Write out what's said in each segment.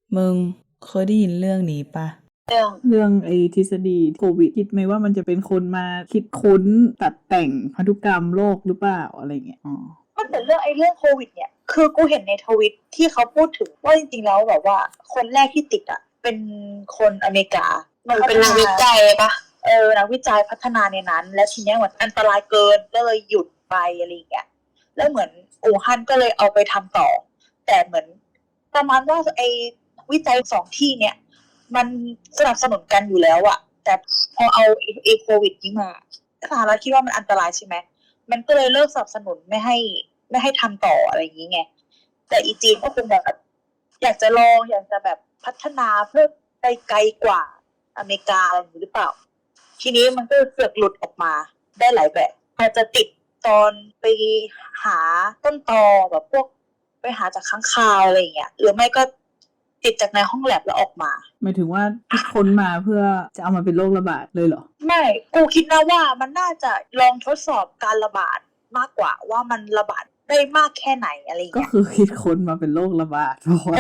มึงเคยได้ยินเรื่องนี้ปะเรื่องเรื่องไอ้ทฤษฎีโควิดคิดไหมว่ามันจะเป็นคนมาคิดค้นตัดแต่งพันธุกรรมโลกหรือเปล่าอะไรเงี้ยมันแต่เรื่องโควิดเนี่ยคือกูเห็นในทวิตที่เขาพูดถึงว่าจริงๆแล้วแบบว่าคนแรกที่ติดอ่ะเป็นคนอเมริกามันเป็นนักวิจัยปะนักวิจัยพัฒนาในนั้นและทีเนี้ยเหมือนอันตรายเกินก็เลยหยุดไปอะไรอย่างเงี้ยแล้วเหมือนอู่ฮั่นก็เลยเอาไปทำต่อแต่เหมือนประมาณว่าไอ้วิจัยสองที่เนี่ยมันสนับสนุนกันอยู่แล้วอะแต่พอเอาไอ้โควิดนี้มาสหรัฐคิดว่ามันอันตรายใช่ไหมมันก็เลยเลิกสนับสนุนไม่ให้ทำต่ออะไรอย่างนี้ไงแต่อีจีนก็คงแบบอยากจะลองอยากจะแบบพัฒนาเพื่อไปไกลกว่าอเมริกาอะไรอย่างนี้หรือเปล่าทีนี้มันก็เสือกหลุดออกมาได้หลายแบบอาจจะติดตอนไปหาต้นตอแบบพวกไปหาจากค้างคาวอะไรอย่างเงี้ยหรือไม่ก็ติดจากในห้องแลบแล้วออกมาหมายถึงว่าคิดค้นมาเพื่อจะเอามาเป็นโรคระบาดเลยเหรอไม่กูคิดนะว่ามันน่าจะลองทดสอบการระบาดมากกว่าว่ามันระบาดได้มากแค่ไหนอะไรอย่างก็เงี้ยคือคิดค้นมาเป็นโรคระบาดเพราะว่า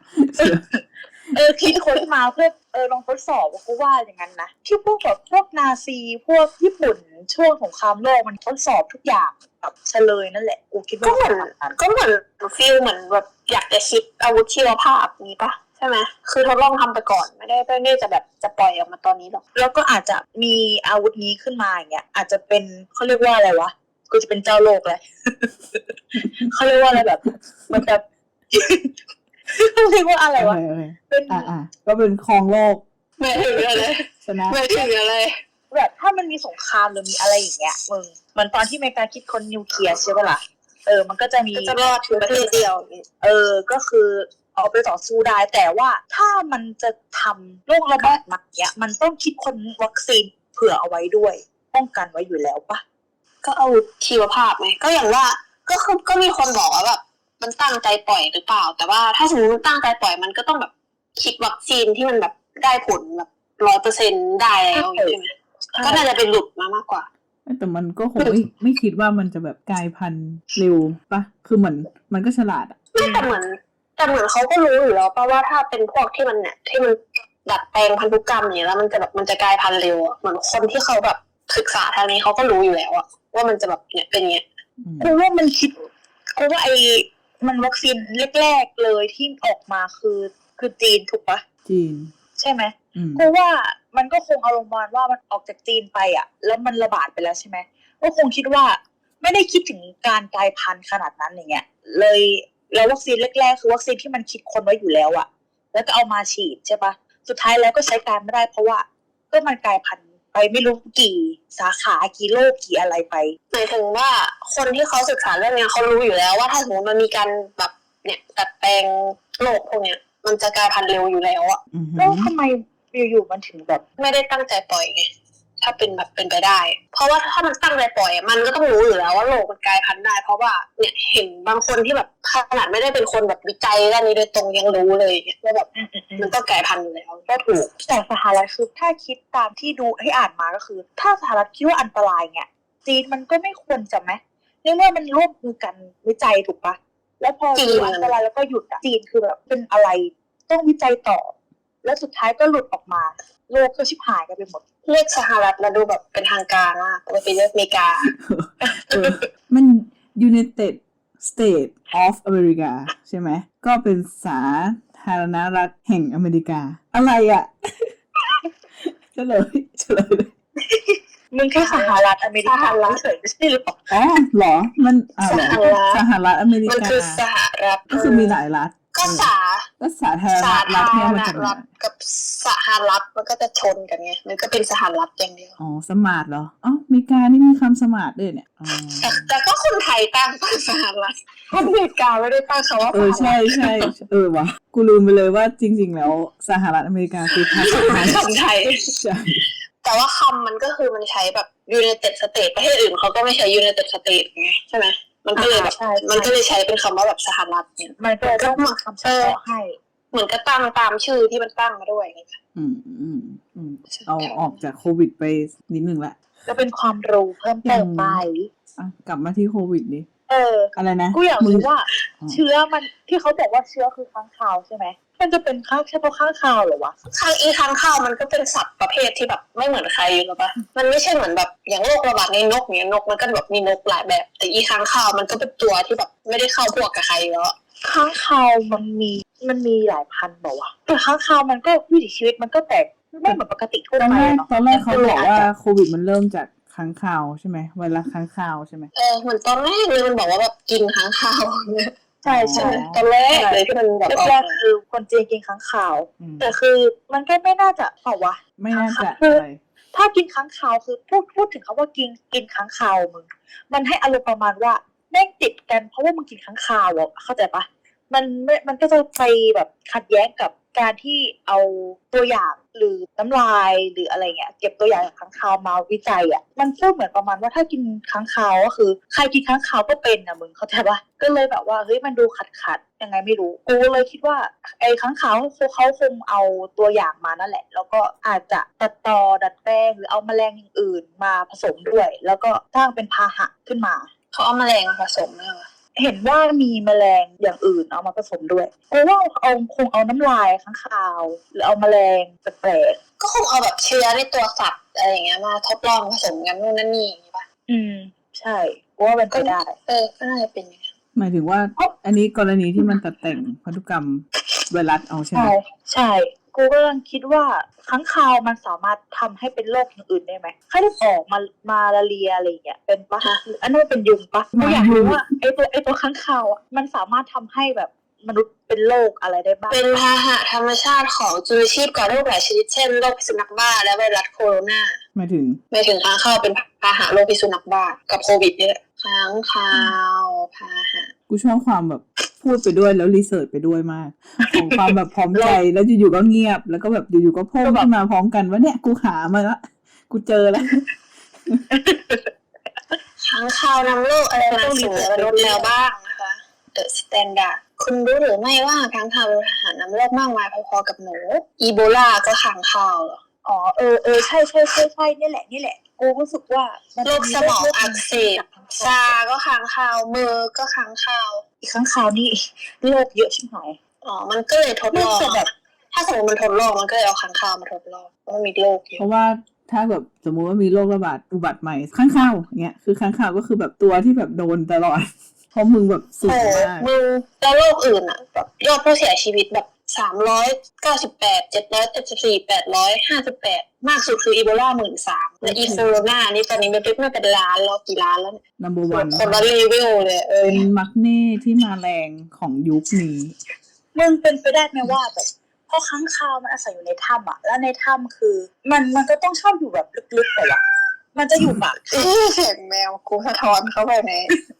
คิดค้นมาเพื่อลองทดสอบกูว่าอย่างนั้นนะที่พวกแบบพวกนาซีพวกญี่ปุ่นช่วงสงครามโลกมันทดสอบทุกอย่างแบบเฉลยนั่นแหละกูคิดว่าก็เหมือนฟีลเหมือนแบบอยากจะคิดอาวุธชีวภาพนี้ปะใช่ไหมคือทดลองทำไปก่อนไม่ได้จะแบบจะปล่อยออกมาตอนนี้หรอกแล้วก็อาจจะมีอาวุธนี้ขึ้นมาอย่างเงี้ยอาจจะเป็นเขาเรียกว่าอะไรวะกูจะเป็นเจ้าโลกเลย เขาเรียกว่าอะไรแบบมันแบบเขาเรียกว่าอะไรวะเป็นก็เป็นครองโลกไม่ถึงอะไรชนะไม่ถึงอะไรแบบถ้ามันมีสงครามหรือมีอะไรอย่างเงี้ยมึงเหมือนตอนที่อเมริกาคิดค้นนิวเคลียร์ใช่ปะล่ะมันก็จะมีจะรอดถึงประเทศเดียวก็คือเอาไปต่อสู้ได้แต่ว่าถ้ามันจะทำโรคระบาดมาเนี้ยมันต้องคิดค้นวัคซีนเผื่อเอาไว้ด้วยป้องกันไว้อยู่แล้วปะก็อาวุธชีวภาพไหมก็อย่างว่าก็มีคนบอกว่าแบบมันตั้งใจปล่อยหรือเปล่าแต่ว่าถ้าสมมติมันตั้งใจปล่อยมันก็ต้องแบบคิดวัคซีนที่มันแบบได้ผลแบบ100%ได้แล้วใช่ไหมก็น่าจะเป็นหลุดมากกว่าแต่มันก็คงไม่คิดว่ามันจะแบบกลายพันธุ์เร็วปะคือเหมือนมันก็ฉลาดแต่เหมือนเขาก็รู้อยู่แล้วป่ะว่าถ้าเป็นพวกที่มันเนี่ยที่มันดัดแปลงพันธุกรรมอย่างเงี้ยแล้วมันจะกลายพันธุ์เร็วเหมือนคนที่เขาแบบศึกษาทางนี้เขาก็รู้อยู่แล้วว่ามันจะแบบเนี่ยเป็นเงี้ยคือว่ามันคิดคือว่ามันวัคซีนแรกๆเลยที่ออกมาคือจีนถูกปะจีนใช่ไหมเพราะว่ามันก็คงอารมณ์ว่ามันออกจากจีนไปแล้วมันระบาดไปแล้วใช่ไหมก็คงคิดว่าไม่ได้คิดถึงการกลายพันธุ์ขนาดนั้นอย่างเงี้ยเลยแล้ววัคซีนแรกๆคือวัคซีนที่มันคิดคนไว้อยู่แล้วแล้วก็เอามาฉีดใช่ปะสุดท้ายแล้วก็ใช้การไม่ได้เพราะว่าก็มันกลายพันธุ์ไปไม่รู้กี่สาขากี่โรคกี่อะไรไปหมายถึงว่าคนที่เขาศึกษาเรื่องนี้เขารู้อยู่แล้วว่าถ้าสมมติมันมีการแบบเนี่ยดัดแปลงโรคพวกเนี้ยมันจะกลายพันธุ์เร็วอยู่แล้วแล้วทำไมอยู่ๆมันถึงแบบไม่ได้ตั้งใจปล่อยไงถ้าเป็นแบบเป็นไปได้เพราะว่าถ้ามันตั้งใจปล่อยมันก็ต้องรู้อยู่แล้วว่าโรคมันกลายพันธุ์ได้เพราะว่าเนี่ยเห็นบางคนที่แบบขนาดไม่ได้เป็นคนแบบวิจัยด้านนี้โดยตรงยังรู้เลยว่าแบบมันก็กลายพันธุ์อยู่แล้วก็ถูกแต่สหรัฐคือถ้าคิดตามที่ดูให้อ่านมาก็คือถ้าสหรัฐคิดว่าอันตรายเนี่ยจีนมันก็ไม่ควรจะไหมในเมื่อมันร่วมมือกันวิจัยถูกปะแล้วพอจีนอันตรายแล้วก็หยุดจีนคือแบบเป็นอะไรต้องวิจัยต่อแล้วสุดท้ายก็หลุดออกมาโลกก็ชิบหายกันไปหมดเรียกสหรัฐมาดูแบบเป็นทางการมากปกติเรียกอเมริกามัน United States of America ใช่ไหมก็เป็นสาธารณรัฐแห่งอเมริกาอะไรเฉลยเลยมึงแค่สหรัฐอเมริกาเฉยไม่ใช่หรอหรอมันสหรัฐอเมริกามันคือสหรัฐก็คือมีหลายรัฐก็สาธารณรัฐเนี่ยมันจะกับสหรัฐมันก็จะชนกันไงมันก็เป็นสหรัฐอย่างเดียวสมาร์ทเหรออเมริกานี่มีคำสมาร์ทด้วยเนี่ยแต่ก็คนไทยตั้งสหรัฐอเมริกาไม่ได้ตั้งคำว่าใช่วะกูลืมไปเลยว่าจริงๆแล้วสหรัฐอเมริกาคือภาษาไทยใช่แต่ว่าคำมันก็คือมันใช้แบบ United States ประเทศอื่นเขาก็ไม่ใช้ United States ไงใช่ไหมมันก็เลยแบบมันก็เลยใช้เป็นคำว่าแบบสหรัฐเนี่ยมันก็ต้องมาคำเฉพาะให้เหมือนก็ตั้งตามชื่อที่มันตั้งมาด้วยเอาออกจากโควิดไปนิดนึงละก็เป็นความรู้เพิ่มเติมไปกลับมาที่โควิดดิอะไรนะกูอยากรู้ว่าเชื้อมันที่เขาบอกว่าเชื้อคือค้างคาวใช่ไหมมันจะเป็นเฉพาะข้างคาวเหรอวะค้างคาวมันก็เป็นสัตว์ประเภทที่แบบไม่เหมือนใครหรอปะมันไม่ใช่เหมือนแบบอย่างโรคระบาดในนกเนี่ยนกมันก็แบบมีนกหลายแบบ แต่ค้างคาวมันก็เป็นตัวที่แบบไม่ได้เข้าพวกกับใครแล้วค้างคาวมันมีหลายพันธุ์บอกว่าแต่ค้างคาวมันก็วิถีชีวิตมันก็แตกไม่เหมือนปกติทั่วตอนไปแรกเนาะเขาบอกว่าโควิดมันเริ่มจากค้างคาวใช่ไหมไวรัสค้างคาวใช่ไหมเหมือนตอนแรกเลยมันบอกว่าแบบกินค้างคาวเนี่ยใช่ใช่ตอนแรกเลยที่มันแบบแรกๆคือคนจีนกินค้างคาว แต่คือมันก็ไม่น่าจะเปล่าวะไม่น่าจะคืออะไรถ้ากินค้างคาวคือพูดถึงคำว่ากินค้างคาวมึงมันให้อารมณ์ประมาณว่าแม่งติดกันเพราะว่ามึงกินค้างคาวอ่ะเข้าใจปะมันก็จะไปแบบขัดแย้งกับการที่เอาตัวอย่างหรือน้ำลายหรืออะไรเงี้ยเก็บตัวอย่างจากค้างคาวมาวิจัยอ่ะมันก็เหมือนประมาณว่าถ้ากินค้างคาวก็คือใครกินค้างคาวก็เป็นนะมึงเข้าใจปะก็เลยแบบว่าเฮ้ยมันดูขัดยังไงไม่รู้กูเลยคิดว่าไอ้ค้างคาวเขาคงเอาตัวอย่างมานั่นแหละแล้วก็อาจจะตัดต่อดัดแปลงหรือเอาแมลงอย่างอื่นมาผสมด้วยแล้วก็สร้างเป็นพาหะขึ้นมาเขาเอาแมลงมาผสมด้วยวะเห็นว่ามีแมลงอย่างอื่นเอามาผสมด้วยกูว่าคงเอาน้ำลายค้างคาวหรือเอาแมลงแปลกก็คงเอาแบบเชื้อในตัวสัตว์อะไรอย่างเงี้ยมาทดลองผสมกันนู่นนั่นนี่อย่างงี้ป่ะใช่กูว่าเป็นไปได้ก็น่าจะเป็นอย่างนี้หมายถึงว่าอันนี้กรณีที่มันตัดแต่งพันธุกรรมไวรัสเอาใช่ไหมใช่กูก็กำลังคิดว่าค้างคาวมันสามารถทำให้เป็นโรคอย่างอื่นได้ไหมไข้เลือดออกมาลาเรียอะไรอย่างเงี้ยเป็นปะหรืออันนั้นเป็นยุงปะกูอยากรู้ว่าไอตัวค้างคาวอ่ะมันสามารถทำให้แบบมนุษย์เป็นโรคอะไรได้บ้างเป็นพาหะธรรมชาติของจุลชีพก่อโรคหลายชนิดเช่นโรคพิษสุนัขบ้าและไวรัสโคโรนาหมายถึงไม่ถึงค้างคาวเป็นพาหะโรคพิษสุนัขบ้ากับโควิดนี่แหละค้างคาวพาหะกูชอบความแบบพูดไปด้วยแล้วรีเสิร์ชไปด้วยมากของความแบบพร้อมใจแล้วอยู่ๆก็เงียบแล้วก็แบบอยู่ๆก็พุ่งขึ้นมาพร้อมกันว่าเนี่ยกูหามาละกูเจอแล้วค้างคาวนำโรคอะไรมาสู่มนุษย์แล้วบ้างนะคะ The Standard คุณรู้หรือไม่ว่าค้างคาวเป็นพาหะนำโรคมากมายพอๆกับหนูอีโบลาก็ค้างคาวเหรออ๋อใช่นี่แหละกูรู้สึกว่าโรคสมองอักเสบซาก็ค้างคาวเมอร์ก็ค้างคาวอีกค้างคาวนี่โรคเยอะชิบหายมันก็เลยทดลองแบบถ้าสมมติมันทดลองมันก็เลยเอาค้างคาวมาทดลองว่ามีโรคเยเพอะราะว่าถ้าแบบสมมุติว่ามีโรคระบาดอุบัติใหม่ข้างข่าวเงี้ยคือข้างข่าวก็คือแบบตัวที่แบบโดนตลอด เพราะมึงแบบสูงมากมึงแล้วโรคอื่นอ่ะแบบยอดผู้เสียชีวิตแบบ398 774 858มากสุดคืออีโบลา13,000และอีโคโรนานี่ตอนนี้มันเป็นล้านแล้วกี่ล้านแล้วเนี่ย number one คนละรีวิวเลยเป็นมักเน่ที่มาแรงของยุคนี้มึงเป็นไปได้ไหมว่าแบบเพราะค้างคาวมันอาศัยอยู่ในถ้ำอ่ะแล้วในถ้ำคือมันก็ต้องชอบอยู่แบบลึกๆแต่ว่ามันจะอยู่ปากเสียงแมวกูสะท้อนเข้าไปใน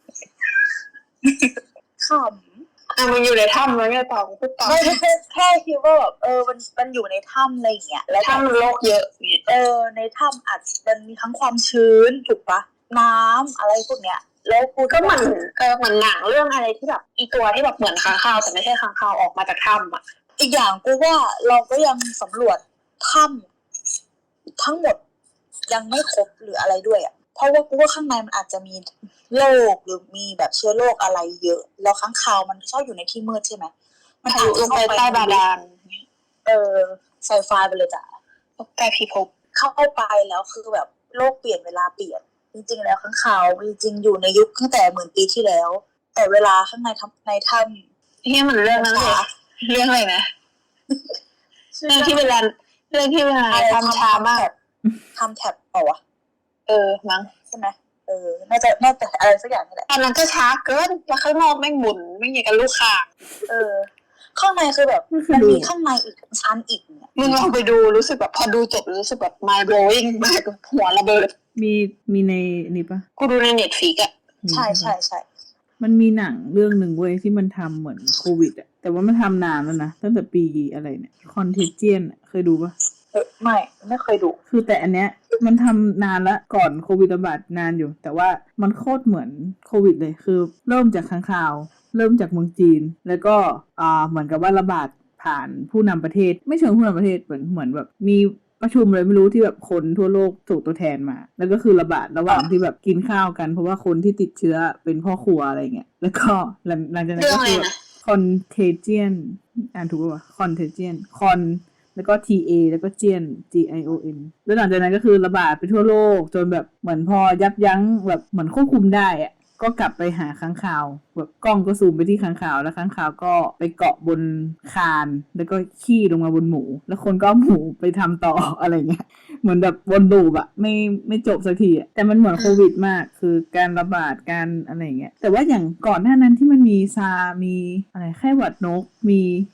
ขำมันอยู่ในถ้ำแล้วไงต่อพูดต่อไม่แค่คิดว่าแบบมันอยู่ในถ้ำอะไรอย่างเงี้ยแล้วถ้ำมันโรคเยอะเนี่ยในถ้ำอาจมันมีทั้งความชื้นถูกปะน้ำอะไรพวกเนี้ยแล้วกูก็เหมือนหนังเรื่องอะไรที่แบบอีตัวที่แบบเหมือนค้างคาวแต่ไม่ใช่ค้างคาวออกมาจากถ้ำอ่ะอีกอย่างกูว่าเราก็ยังสำรวจถ้ำทั้งหมดยังไม่ครบหรืออะไรด้วยอ่ะเพราะว่ากูว่าข้างในมันอาจจะมีโรคหรือมีแบบเชื้อโรคอะไรเยอะแล้วค้างคาวมันชอบอยู่ในที่มืดใช่ไหมมันอาจจะลงไปใต้บาดาลไซไฟไปเลยจ้ะใต้พิภพเข้าไปแล้วคือแบบโลกเปลี่ยนเวลาเปลี่ยนจริงๆแล้วค้างคาวจริงๆอยู่ในยุคตั้งแต่10,000 ปีที่แล้วแต่เวลาข้างในถ้ำนี่มันเรื่องนั้นเลยเรื่องอะไรนะเรื่องที่เวลาทำช้ามากทำแท็บเปล่าวะมั้งใช่ไหมน่าจะอะไรสักอย่างนี่แหละตอนนั้นก็ช้าเกินแล้วข้างนอกแม่งหมุนไม่อย่างกับลูกข่างข้างในคือแบบมันมีข้างในอีกชั้นอีกเนี่ยมึงลองไปดูรู้สึกแบบพอดูจบรู้สึกแบบ mind blowing มากหัวระเบิดมีในนี่ปะกูดูใน Netflix อ่ะใช่มันมีหนังเรื่องหนึ่งเว้ยที่มันทำเหมือนโควิดอะแต่ว่ามันทำนานแล้วนะตั้งแต่ปีอะไรเนี่ยคอนเทเจียนเคยดูปะไม่เคยดูคือแต่อันเนี้ยมันทำนานละก่อนโควิดระบาดนานอยู่ แต่ว่ามันโคตรเหมือนโควิดเลยคือเริ่มจากค้างคาวเริ่มจากเมืองจีนแล้วก็เหมือนกับว่าระบาดผ่านผู้นำประเทศไม่เชิงผู้นำประเทศเหมือนแบบมีประชุมเลยไม่รู้ที่แบบคนทั่วโลกส่งตัวแทนมาแล้วก็คือระบาดระหว่างที่แบบกินข้าวกันเพราะว่าคนที่ติดเชื้อเป็นพ่อครัวอะไรเงี้ยแล้วก็หลังจากนั้นก็คือ contagion อ่านถูกป่ะ contagion con แล้วก็ TA แล้วก็ GION GION แล้วหลังจากนั้นก็คือระบาดไปทั่วโลกจนแบบเหมือนพอยับยั้งแบบเหมือนควบคุมได้อะก็กลับไปหาค้างคาวแบบกล้องก็ซูมไปที่ค้างคาวแล้วค้างคาวก็ไปเกาะบนคานแล้วก็ขี้ลงมาบนหมูแล้วคนก็เอาหมูไปทำต่อ อะไรเงี้ยเหมือนแบบวนลูปอะไม่จบสักทีอะแต่มันเหมือนโควิดมากคือการระบาดการอะไรเงี้ยแต่ว่าอย่างก่อนหน้านั้นที่มันมีซามีอะไรไข้หวัดนกมี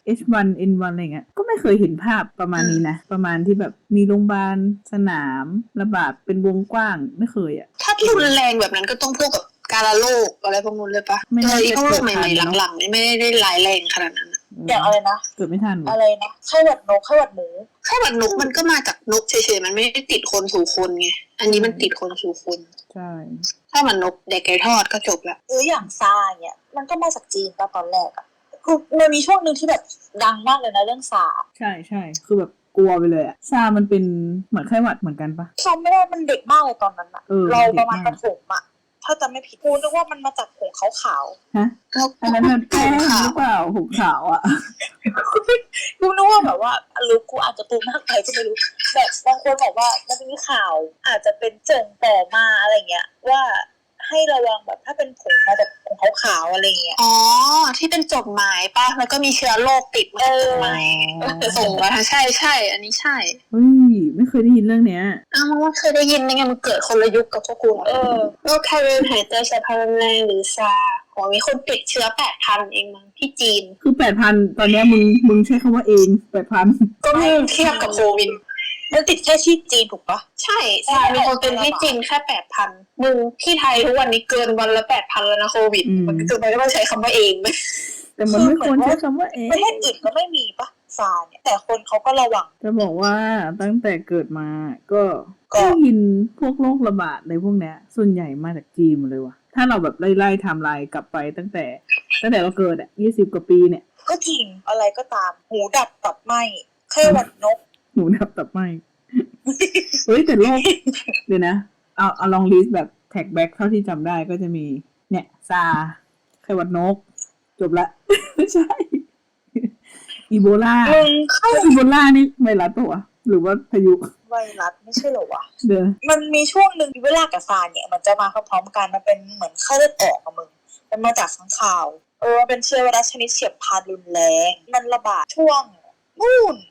H1N1 อะไรเงี้ยก็ไม่เคยเห็นภาพประมาณนี้นะประมาณที่แบบมีโรงพยาบาลสนามระบาดเป็นวงกว้างไม่เคยอะถ้ารุนแรงแบบนั้นก็ต้องพวกกับการโรคอะไรพวกนู้นเลยปะพวกโรคใหม่ๆหลังๆนี่ไม่ได้ร้ายแรงขนาดนั้นอย่างอะไรนะเกิดไม่ทันอะไรนะไข้หวัดนกไข้หวัดหมูไข้หวัดนกมันก็มาจากนกเฉยๆมันไม่ได้ติดคนสู่คนไงอันนี้มันติดคนสู่คนใช่ถ้ามันนกเด็กไก่ทอดก็จบละอย่างซาเนี่ยมันก็มาจากจีนตอนแรกอะคือมันมีช่วงนึงที่แบบดังมากเลยนะเรื่องซาใช่คือแบบกลัวไปเลยอะซามันเป็นเหมือนไข้หวัดเหมือนกันปะจำไม่ได้มันเด็กมากเลยตอนนั้นอะเราประมาณประถมอะถ้าจำไม่ผิดกูนึกว่ามันมาจากผงขาวๆฮะอันนั้นมันแป้งหรือเปล่าผงขาวอะกูนึกว่าแบบว่ารู้กูอาจจะปูมากไปก็ไม่รู้แบบบางคนบอกว่ามันจะมีข่าวอาจจะเป็นส่งต่อมาอะไรเงี้ยว่าให้ระวังแบบถ้าเป็นผงมาจากผงขาวๆอะไรเงี้ยอ๋อที่เป็นจดหมายป่ะแล้วก็มีเชื้อโรคติดมาจดหมายส่งมาใช่อันนี้ใช่ไม่เคยได้ยินเรื่องเนี้ยมันว่าเคยได้ยินไงมันเกิดคนละยุคกับพวกกูโรคไข้เลือดหายใจสายพันธุ์แรงหรือซามีคนติดเชื้อ 8,000 เองมั้งที่จีนคือ 8,000 ตอนนี้มึงใช้คำว่าเอง 8,000 ก็ไม่เทียบกับโควิดมันติดแค่ที่จีนถูกปะใช่มีคนเป็นที่จีนแค่ 8,000 มึงที่ไทยทุกวันนี้เกินวันละ 8,000 แล้วนะโควิดมันคือไม่ต้องใช้คำว่าเองไหมแต่มันไม่ควรใช้คำว่าเองประเทศอื่นก็ไม่มีปะซาเนี่ยแต่คนเขาก็ระวังจะบอกว่าตั้งแต่เกิดมาก็ได้ยินพวกโรคระบาดในพวกเนี้ยส่วนใหญ่มาจากจีนหมดเลยว่ะถ้าเราแบบไล่ไทม์ไลน์กลับไปตั้งแต่เราเกิด20 กว่าปีเนี่ยก็จริงอะไรก็ตามหูดับตับไหมไข้หวัดนกหูดับตับไหมเฮ้ยแต่โรคเดี๋ยวนะเอาลองลิสต์แบบแท็กแบ็กเท่าที่จำได้ก็จะมีเนี่ยซาไข้หวัดนกจบละไม่ใช่อีโบลาอีโบลานี่ไวรัสปะวะหรือว่าพายุไวรัสไม่ใช่เหรอวะมันมีช่วงหนึ่งอีโบลากับซาเนี่ยมันจะมาพร้อมๆกันมันเป็นเหมือนไข้เลือดออกอะมึงมันมาจากค้างคาวมันเป็นเชื้อไวรัสชนิดเฉียบพลันรุนแรงมันระบาดช่วงนู่น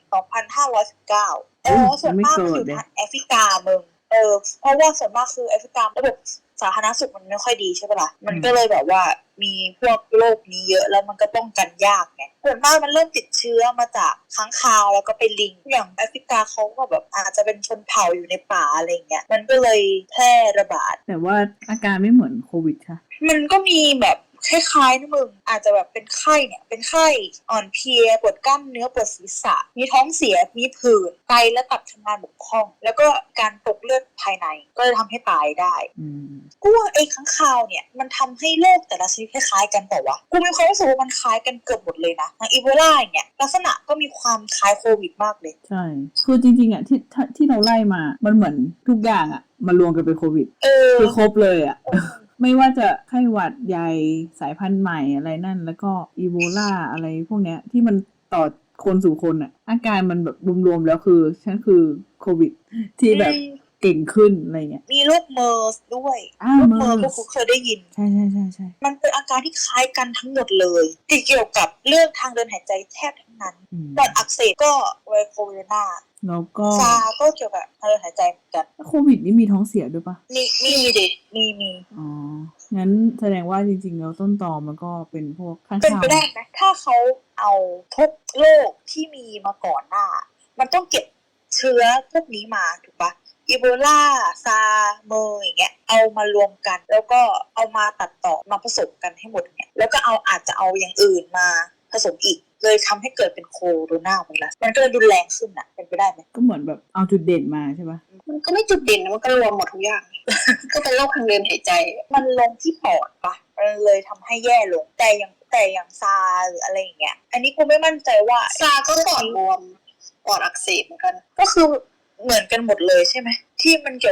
2519ส่วนมากมันอยู่ทางแอฟริกามึงเพราะว่าส่วนมากคือแอฟริการะบบสาธารณสุขมันไม่ค่อยดีใช่ปะล่ะมันก็เลยแบบว่ามีพวกโรคนี้เยอะแล้วมันก็ป้องกันยากไงส่วนมากมันเริ่มติดเชื้อมาจากค้างคาวแล้วก็ไปลิงอย่างแอฟริกาเขาก็แบบอาจจะเป็นชนเผ่าอยู่ในป่าอะไรเงี้ยมันก็เลยแพร่ระบาดแต่ว่าอาการไม่เหมือนโควิดค่ะมันก็มีแบบคล้ายๆนะมึงอาจจะแบบเป็นไข้เนี่ยเป็นไข้อ่อนเพลียปวดกล้ามเนื้อปวดศีรษะมีท้องเสียมีผื่นไตและตับทำงานบกพร่องแล้วก็การตกเลือดภายในก็จะทำให้ตายได้กูว่าไอ้ค้างคาวเนี่ยมันทำให้โรคแต่ละชนิดคล้ายๆกันแต่ว่ากูมีความรู้สึกว่ามันคล้ายกันเกือบหมดเลยนะอย่างอีโบลาเนี่ยลักษณะก็มีความคล้ายโควิดมากเลยใช่คือจริงๆอ่ะที่เราไล่มามันเหมือนทุกอย่างอ่ะมารวมกันเป็นโควิดคือครบเลยอ่ะไม่ว่าจะไข้หวัดใหญ่สายพันธุ์ใหม่อะไรนั่นแล้วก็อีโบลาอะไรพวกเนี้ยที่มันต่อคนสู่คนอ่ะอาการมันแบบรวมๆแล้วคือฉันคือโควิดที่แบบเก่งขึ้นอะไรเงี้ยมีโรคเมอร์สด้วยโรคเมอร์พวกเคยได้ยินใช่มันเป็นอาการที่คล้ายกันทั้งหมดเลยที่เกี่ยวกับเรื่องทางเดินหายใจแทบทั้งนั้นปอดอักเสบก็ไวโคโรนาแล้วก็ซาก็เกี่ยวกับทางเดินหายใจเหมือนกันโควิดนี่มีท้องเสียด้วยปะมีดิมีอ๋องั้นแสดงว่าจริงๆแล้วต้นตอมันก็เป็นพวกข้างคาวเป็นไปได้ไหมถ้าเขาเอาทุกโรคที่มีมาก่อนหน้ามันต้องเก็บเชื้อพวกนี้มาถูกปะอีโบลาซาเมอร์อย่างเงี้ยเอามารวมกันแล้วก็เอามาตัดต่อมาผสมกันให้หมดเนี่ยแล้วก็อาจจะเอาอย่างอื่นมาผสมอีกเลยทำให้เกิดเป็นโคโรนาไวรัสมันก็เลยรุนแรงขึ้นอ่ะเป็นไปได้ไหมก็เหมือนแบบเอาจุดเด่นมาใช่ปะมันก็ไม่จุดเด่นนะมันก็รวมหมดทุกอย่าง ก็เป็นโรคทางเดินหายใจมันลงที่ปอดปะมันเลยทำให้แย่ลงแต่อย่างซาหรืออะไรอย่างเงี้ยอันนี้กูไม่มั่นใจว่าซาก็ปอดบวมปอดอักเสบเหมือนกันก็คือเหมือนกันหมดเลยใช่ไหมที่มันเกี่ยวกับ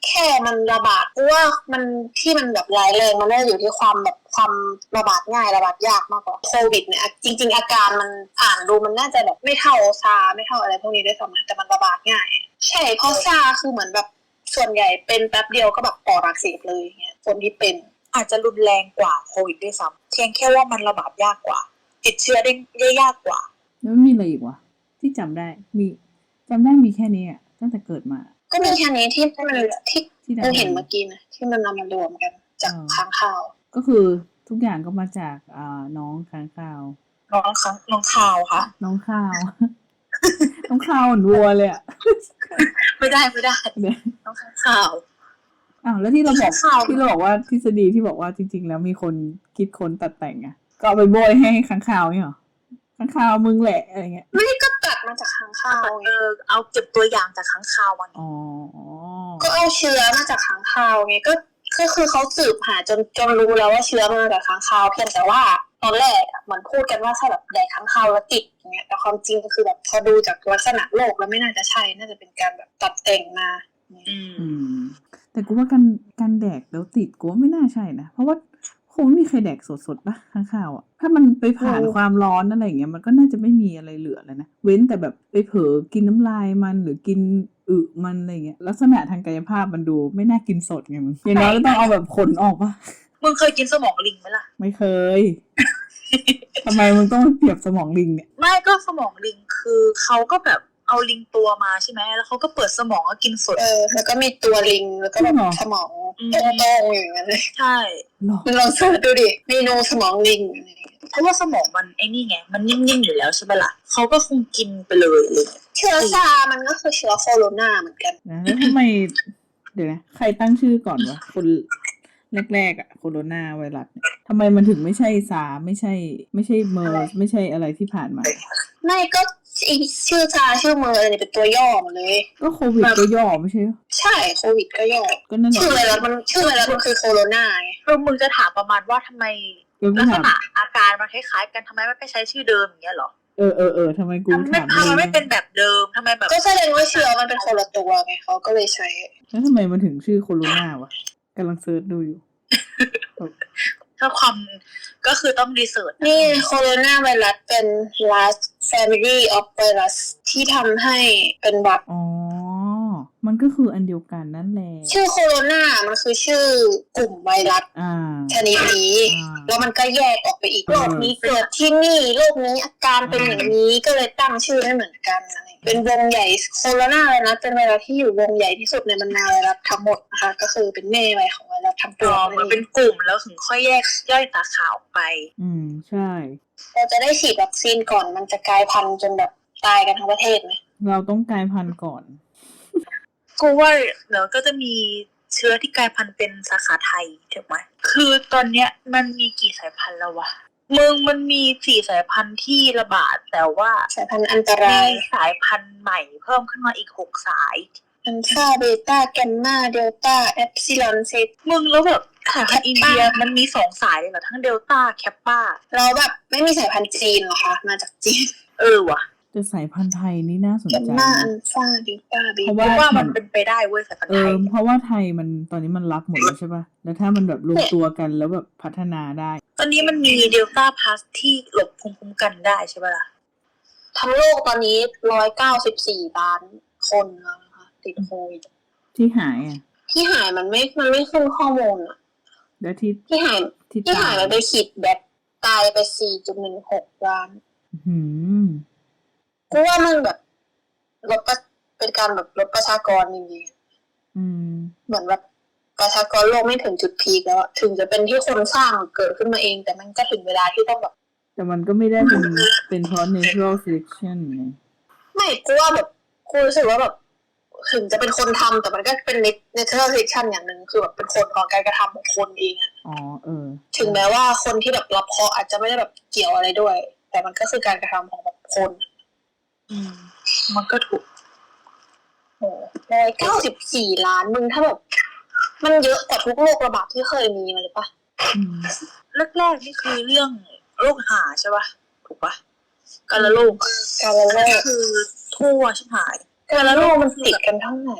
แค่มันระบาดเพราะว่ามันที่มันแบบร้ายแรงมันน่าจะอยู่ที่ความแบบความระบาดง่ายระบาดยากมากกว่าโควิดเนี่ยจริงๆอาการมันอ่านดูมันน่าจะแบบไม่เท่าซาไม่เท่าอะไรพวกนี้ด้วยซ้ำนะแต่มันระบาดง่ายใช่เพราะซาคือเหมือนแบบส่วนใหญ่เป็นแป๊บเดียวก็แบบปอดอักเสบเลยอย่างเงี้ยคนที่เป็นอาจจะรุนแรงกว่าโควิดด้วยซ้ำเพียงแค่ว่ามันระบาดยากกว่าติดเชื้อได้ยากกว่าแล้วมีอะไรอีกวะที่จำได้มีแค่นี้อ่ะตั้งแต่เกิดมาก็มีแค่นี้ที่มันที่เราเห็นเมื่อกี้นะที่มันนำมารวมกันจากค้างคาวก็คือทุกอย่างก็มาจากน้องค้างคาวน้องข่าวค่ะน้องข่าว น้องข่าวเหมือนวัวเลยอ่ะไม่ได้น้องข่าวแล้วที่เราบอกว่าทฤษฎีที่บอกว่าจริงๆแล้วมีคนคิดค้นตัดแต่งอ่ะก็เอาไปโบยให้ค้างคาวเนี่ยหรอค้างคาวมึงแหละอะไรเงี้ยไม่ก็ตัดมาจากค้างคาวเอาเก็บตัวอย่างจากค้างคาวมาก็เอาเชื้อมาจากค้างคาวไงก็คือเขาสืบหาจนรู้แล้วว่าเชื้อมาจากค้างคาวเพียงแต่ว่าตอนแรกเหมือนพูดกันว่าถ้าแบบแดกค้างคาวแล้วติดอย่างเงี้ยแต่ความจริงก็คือแบบพอดูจากลักษณะโรคแล้วไม่น่าจะใช่น่าจะเป็นการแบบตัดแต่งมาแต่กูว่าการแดกแล้วติดกูว่าไม่น่าใช่นะเพราะว่าคงไม่มีใครแดกสดๆป่ะข้างข่าวอ่ะถ้ามันไปผ่านความร้อนอะไรอย่างเงี้ยมันก็น่าจะไม่มีอะไรเหลือแล้วนะเว้นแต่แบบไปเผลอกินน้ำลายมันหรือกินมันอะไรเงี้ยลักษณะทางกายภาพมันดูไม่น่ากินสดไงมึงอย่างน้อยก็ต้องเอาแบบขนออกป่ะมึงเคยกินสมองลิงไหมล่ะไม่เคย ทำไมมึงต้องเปรียบสมองลิงเนี่ยไม่ก็สมองลิงคือเขาก็แบบเอาลิงตัวมาใช่ไหมแล้วเขาก็เปิดสมองก็กินสดแล้วก็มีตัวลิงแล้วก็แบบสมองโต้งๆอย่างนั้นเลยใช่ลองเสิร์ชดูดิเมนูสมองลิงเพราะว่าสมองมันไอ้นี่ไงมันนิ่งๆอยู่แล้วใช่ไหมล่ะเขาก็คงกินไปเลยเลยเชื้อซามันก็คือเชื้อโคโรนาเหมือนกันแล้วทำไมเดี๋ยวนะใครตั้งชื่อก่อนวะคนแรกๆอ่ะโคโรนาไวรัสทำไมมันถึงไม่ใช่ซาไม่ใช่เมอร์ไม่ใช่อะไรที่ผ่านมาไม่ก็ชื่อซาชื่อเมอร์อะไรเป็นตัวย่อหมดเลยก็โควิดก็ย่อไม่ใช่ใช่โควิดก็ย่อก็นั่นแหละชื่ออะไรมันคือโคโรนาไงมึงจะถามประมาณว่าทำไมลักษณะอาการมันคล้ายๆกันทำไมไม่ไปใช้ชื่อเดิมอย่างเงี้ยหรอทำไมกูถามทำไมไม่เป็นแบบเดิมทำไมแบบก็แสดงว่าเชื้อมันเป็นคนละตัวไงเขาก็เลยใช้แล้วทำไมมันถึงชื่อโคโรนาวะกำลังเซิร์ชดูอยู่ถ้าความก็คือต้องรีเสิร์ชนี่โคโรนาไวรัสเป็น last family of virus ที่ทำให้เป็นหวัดมันก็คืออันเดียวกันนั่นแหละชื่อโคโรนามันคือชื่อกลุ่มไวรัสชนิดนี้แล้วมันก็แยกออกไปอีกโรคนี้เกิดที่นี่โรคนี้อาการเป็นอย่างนี้ก็เลยตั้งชื่อไม่เหมือนกันเป็นวงใหญ่โคโรนาไวรัสเป็นไวรัสที่อยู่วงใหญ่ที่สุดในบรรดาไวรัสทั้งหมดนะคะก็คือเป็นแม่ไวของไวรัสทั้งตัวมันเป็นกลุ่มแล้วถึงค่อยแยกย่อยสาขาออกไปใช่เราจะได้ฉีดวัคซีนก่อนมันจะกลายพันธุ์จนแบบตายกันทั้งประเทศไหมเราต้องกลายพันธุ์ก่อนกูว่าเดี๋ยวก็จะมีเชื้อที่กลายพันธุ์เป็นสาขาไทยถูกไหมคือตอนเนี้ยมันมีกี่สายพันธุ์แล้ววะมันมี4 สายพันธุ์ที่ระบาดแต่ว่าสายพันธุ์อันตรายสายพันธุ์ใหม่เพิ่มขึ้นมาอีก6 สายอัลฟาเบต้าแกมมาเดลต้าเอปซิลอนเซตแล้วแบบสายพันธุ์อินเดียมันมี2 สายเลยเหรอทั้งเดลต้าแคปป้าแล้วแบบไม่มีสายพันธุ์จีนเหรอคะมาจากจีนว่ะแต่สายพันธุ์ไทยนี่น่าสนใจแกมมาอัลฟาเดลต้าเพราะว่ามันเป็นไปได้เว้ยสายพันธุ์ไทยเพราะว่าไทยมันตอนนี้มันรับหมดแล้วใช่ป่ะแล้วถ้ามันแบบรวมตัวกันแล้วแบบพัฒนาได้ตอนนี้มันมีเดลต้าพลัสที่หลบภูมิคุ้มกันได้ใช่ป่ะล่ะทั้งโลกตอนนี้194 ล้านคนแล้วนะคะติดโควิดที่หายมันไม่ขึ้นข้อมูลอ่ะแล้วที่หายมันไปขีดแบบตายไป 4.16 ล้านกูว่ามันแบบเป็นการแบบลดประชากรจริงๆเหมือนแบบประชากรโลกไม่ถึงจุดพีคแล้วถึงจะเป็นที่คนสร้างเกิดขึ้นมาเองแต่มันก็ถึงเวลาที่ต้องแบบแต่มันก็ไม่ได้เป็นเพราะ natural selection ไงไม่กูว่าแบบกูรู้สึกว่าแบบถึงจะเป็นคนทำแต่มันก็เป็น natural selection อย่างนึงคือแบบเป็นคนของการกระทำของคนเองถึงแม้ว่าคนที่แบบรับเคราะห์อาจจะไม่ได้แบบเกี่ยวอะไรด้วยแต่มันก็คือการกระทำของแบบคนมันก็ถูก 194 ล้านมึงถ้าแบบมันเยอะกว่าทุกโรคระบาดที่เคยมีมาเลยปะแรกๆนี่คือเรื่องโรคหาใช่ปะถูกปะกาฬโรคคือทั่วชิบหายกาฬโรคมันติดกันเท่าไหร่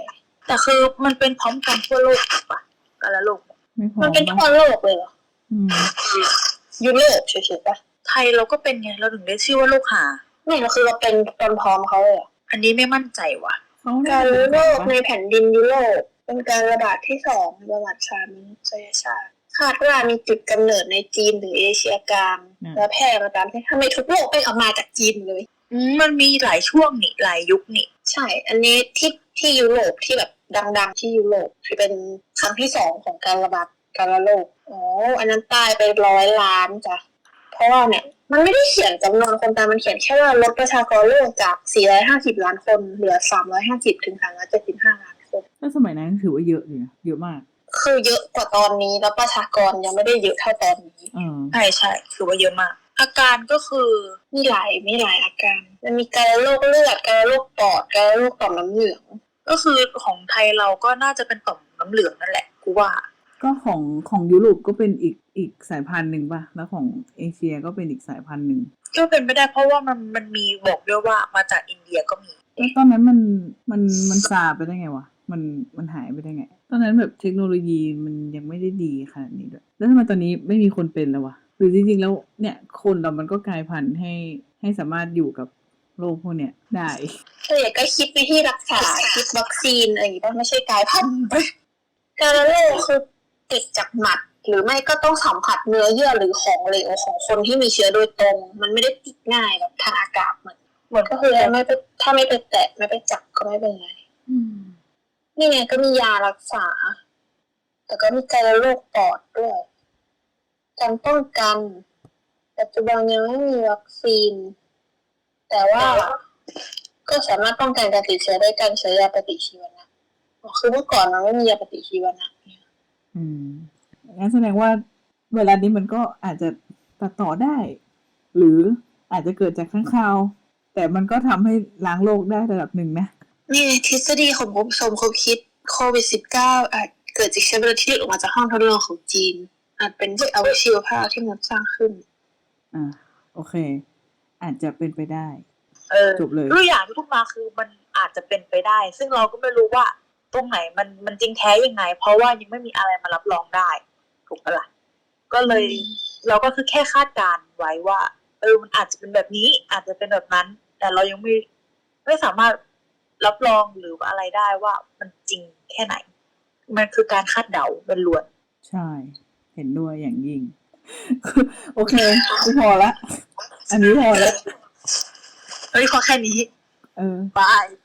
แต่คือมันเป็นพร้อมกันทั่วโลกถูกปะกันละโลกไม่พอมันเป็นทั่วโลกเลยเหรออืมยุโรปเฉยๆปะไทยเราก็เป็นไงเราถึงได้ชื่อว่าโรคหาไม่เราคือเราเป็นตอนพร้อมเขาเลยเหรออันนี้ไม่มั่นใจว่ะเขาการเป็โรนคปะในแผ่นดินยุโรปเป็นการระบาดที่2ในประวัติศาสตร์มนุษยชาติคาดว่ามีจุดกำเนิดในจีนหรือเอเชียกลางและแพร่มาตามที่ทำไมทุกโลกไปออกมาจากจีนเลยมันมีหลายช่วงนี่หลายยุคนี่ใช่ อันนี้ที่ยุโรปที่แบบดังๆที่ยุโรปที่เป็นครั้งที่2ของการระบาดการระโรคอ๋ออันนั้นตายไป100 ล้านจ้ะเพราะว่าเนี่ยมันไม่ได้เขียนจำนวนคนตายมันเขียนแค่ว่าลดประชากรโลกจาก450 ล้านคนเหลือ350 ถึง 375 ล้านคนถ้าสมัยนั้นถือว่าเยอะเลยนะเยอะมากคือเยอะกว่าตอนนี้แล้วประชากรยังไม่ได้เยอะเท่าตอนนี้ใช่ถือว่าเยอะมาก อาการก็คือมีหลายอาการมันมีการโรคเลือดการโรคปอดการโรคต่อมน้ำเหลืองก็คือของไทยเราก็น่าจะเป็นต่อมน้ำเหลืองนั่นแหละกูว่าก็ของยุโรปก็เป็นอีกสายพันธุ์หนึ่งป่ะแล้วของเอเชียก็เป็นอีกสายพันธุ์หนึ่งก็เป็นไม่ได้เพราะว่ามันมีบอกด้วยว่ามาจากอินเดียก็มีแล้วตอนนั้นมันซาไปได้ไงวะมันหายไปได้ไง ตอนนั้นแบบเทคโนโลยีมันยังไม่ได้ดีขนาดนี้ด้วยแล้วทำไมตอนนี้ไม่มีคนเป็นแล้ววะหรือจริงๆแล้วเนี่ยคนเรามันก็กลายพันธุ์ให้สามารถอยู่กับโรคพวกเนี้ยได้ก็คิดวิธีรักษาคิดวัคซีนอะไรอย่างงี้ป่ะไม่ใช่กลายพันธุ์ไปการโรคคือติดจากหมัดหรือไม่ก็ต้องสัมผัสเนื้อเยื่อหรือของเหลวของคนที่มีเชื้อโดยตรงมันไม่ได้ติดง่ายแบบทางอากาศเหมือนก็คือถ้าไม่ไปแตะไม่ไปจับก็ไม่เป็นไรนี่ไงก็มียารักษาแต่ก็มีการโรคปอดด้วยการป้องกันปัจจุบันยังไม่มีวัคซีนแต่ว่าก็สามารถป้องกันการติดเชื้อได้การใช้ยาปฏิชีวนะคือเมื่อก่อนมันไม่มียาปฏิชีวนะงั้นแสดงว่าเวลานี้มันก็อาจจะตัดต่อได้ หรืออาจจะเกิดจากข้างคาวแต่มันก็ทำให้ล้างโรคได้ระดับหนึ่งนะนี่ทฤษฎีของผมสมคบคิดโควิด -19 อาจเกิดจากเชื้อไวรัสที่หลุดออกมาจากห้องทดลองของจีนอาจเป็นอวัชีวภาพที่มนุษย์สร้างขึ้นโอเคอาจจะเป็นไปได้จบเลยตัวอย่างที่พูดมาคือมันอาจจะเป็นไปได้ ซึ่งเราก็ไม่รู้ว่าตรงไหนมันจริงแท้ยังไงเพราะว่ายังไม่มีอะไรมารับรองได้ถูกปะล่ะก็เลยเราก็คือแค่คาดการไว้ว่ามันอาจจะเป็นแบบนี้อาจจะเป็นแบบนั้นแต่เรายังไม่สามารถรับรองหรืออะไรได้ว่ามันจริงแค่ไหนมันคือการคาดเดาเป็นล้วนใช่เห็นด้วยอย่างยิ่ง โอเคกูพอละอันนี้พอแล้วพอแค่นี้บาย